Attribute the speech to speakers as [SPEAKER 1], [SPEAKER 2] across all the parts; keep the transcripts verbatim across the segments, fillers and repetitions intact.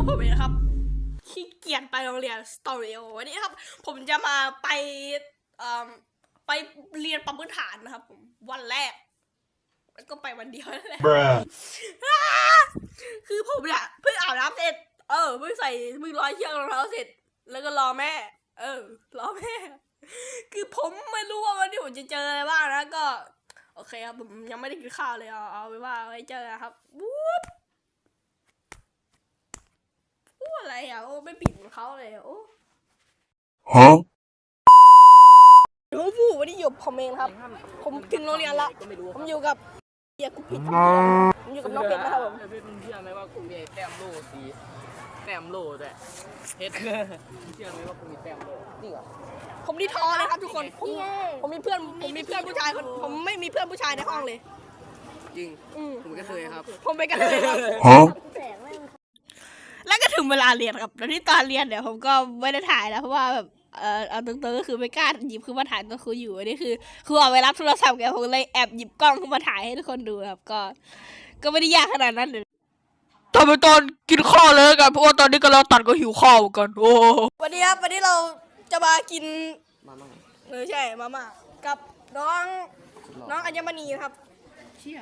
[SPEAKER 1] ผมเองนะครับขี้เกียจไปโรงเรียนสตอรี่วันนี้ครับผมจะมาไปไปเรียนปั๊มพื้นฐานนะครับผมวันแรกแล้วก็ไปวันเดียวนั่นแหละคือผมเนี่ยเพิ่งอาบน้ำเสร็จเออเพิ่งใส่เพิ่งร้อยเชือกรองเท้าเสร็จแล้วก็รอแม่เออรอแม่คือผมไม่รู้ว่าวันนี้ผมจะเจออะไรบ้างนะก็โอเคครับผมยังไม่ได้กินข้าวเลยเอาเอาไปว่าไว้เจอครับวูบพูดอะไรอ่ะโอ้ไม่ปิดของเขาเลยโอ้ฮะผมพูดวันนี้อยู่ผมเองครับผมถึงโรงเรียนละผมอยู่กับเฮียกุปิดผมอยู่กับน้องเพชรนะครับผม
[SPEAKER 2] เพชรเชื่อไหมว่ากูมีแต้มโล่สีแต้มโล่ด้วยเพชรเชื่อไหมว่ากูมีแต้มโล่จริงเหรอ
[SPEAKER 1] ผมดีทอเลยครับทุกคนผมผมมีเพื่อนผมมีเพื่อนผู้ชายคนผมไม่มีเพื่อนผู้ชายในห้องเลย
[SPEAKER 2] จริงผมก็เคยครับ
[SPEAKER 1] ผมไปกันเลยครับแล้วก็ถึงเวลาเรียนครับแล้วที่ตอนเรียนเนี่ยผมก็ไม่ได้ถ่ายแล้วเพราะว่าแบบเออเอาตรงๆก็คือไม่กล้าหยิบขึ้นมาถ่ายตอนครูอยู่อันนี้คือครูเอาไปรับโทรศัพท์แกผมเลยแอบหยิบกล้องขึ้นมาถ่ายให้ทุกคนดูครับก็ก็ไม่ได้ยากขนาดนั้นเลยทำไปตอนกินข้าวเลยกันเพราะว่าตอนนี้ก็เราตัดก็หิวข้าวกันโอ้วันนี้ครับวันนี้เราจะมากิน
[SPEAKER 2] มาม่า
[SPEAKER 1] เออใช่มาม่ากับน้องน้องอัญมณีครับเชี่ย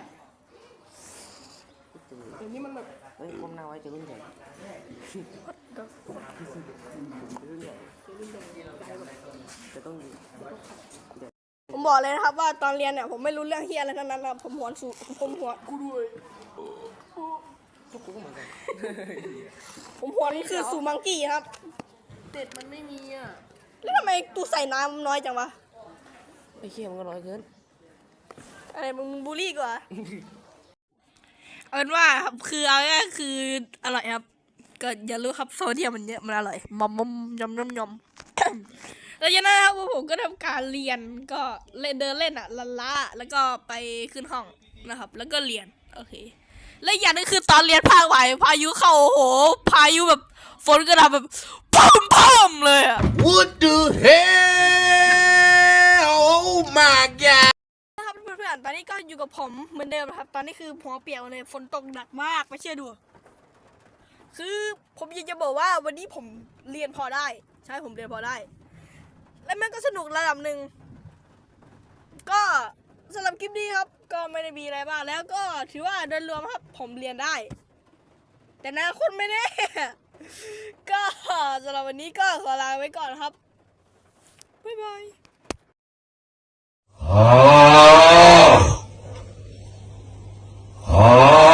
[SPEAKER 1] เดี๋ยวนี้มันแบบ
[SPEAKER 2] เฮ้ยก้มหน้าไว้จะรุ่นใหญ่จะต้อง
[SPEAKER 1] ผมบอกเลยนะครับว่าตอนเรียนเนี่ยผมไม่รู้เรื่องเฮียอะไรทั้งนั้นนะผมหัวสูผมหัวกูด้วย
[SPEAKER 2] ทุกคนก็เหมือนกัน
[SPEAKER 1] ผมหัวนี่คือสูมังกี้ครับ
[SPEAKER 2] เด็ดมันไม่มีอ่ะ
[SPEAKER 1] แล้วทำไมตูใส่น้ำน้อยจังวะ
[SPEAKER 2] ไอ้เขี้ยมันก็น้อยเกิน
[SPEAKER 1] อะไรมึงบูลลี่กว่าเอาเป็นว่าครับคือเอาง่ายคืออร่อยครับก็อย่ารู้ครับโซเดียมมันเยอะมันอร่อยมอมมอมยำยำยำแล้วจากนั้นครับผมก็ทำการเรียนก็เล่นเดินเล่นอ่ะละละแล้วก็ไปขึ้นห้องนะครับแล้วก็เรียนโอเคและอย่างนึงคือตอนเรียนภาคไหวพายุเข้าโอ้โหพายุแบบฝนกระหน่ำแบบพุ่มพุ่มเลยอ่ะ
[SPEAKER 3] What the hell Oh my god
[SPEAKER 1] นะครับเพื่อนๆตอนนี้ก็อยู่กับผมเหมือนเดิมครับตอนนี้คือหัวเปียกเลยฝนตกหนักมากไม่เชื่อดูคือผมอยากจะบอกว่าวันนี้ผมเรียนพอได้ใช่ผมเรียนพอได้และมันก็สนุกระดับหนึ่งก็สำหรับคลิปนี้ครับก็ไม่ได้มีอะไรบ้างแล้วก็ถือว่าโดยรวมครับผมเรียนได้แต่นะคนไม่แน่ก็สำหรับวันนี้ก็ขอลาไว้ก่อนครับบ๊ายบาย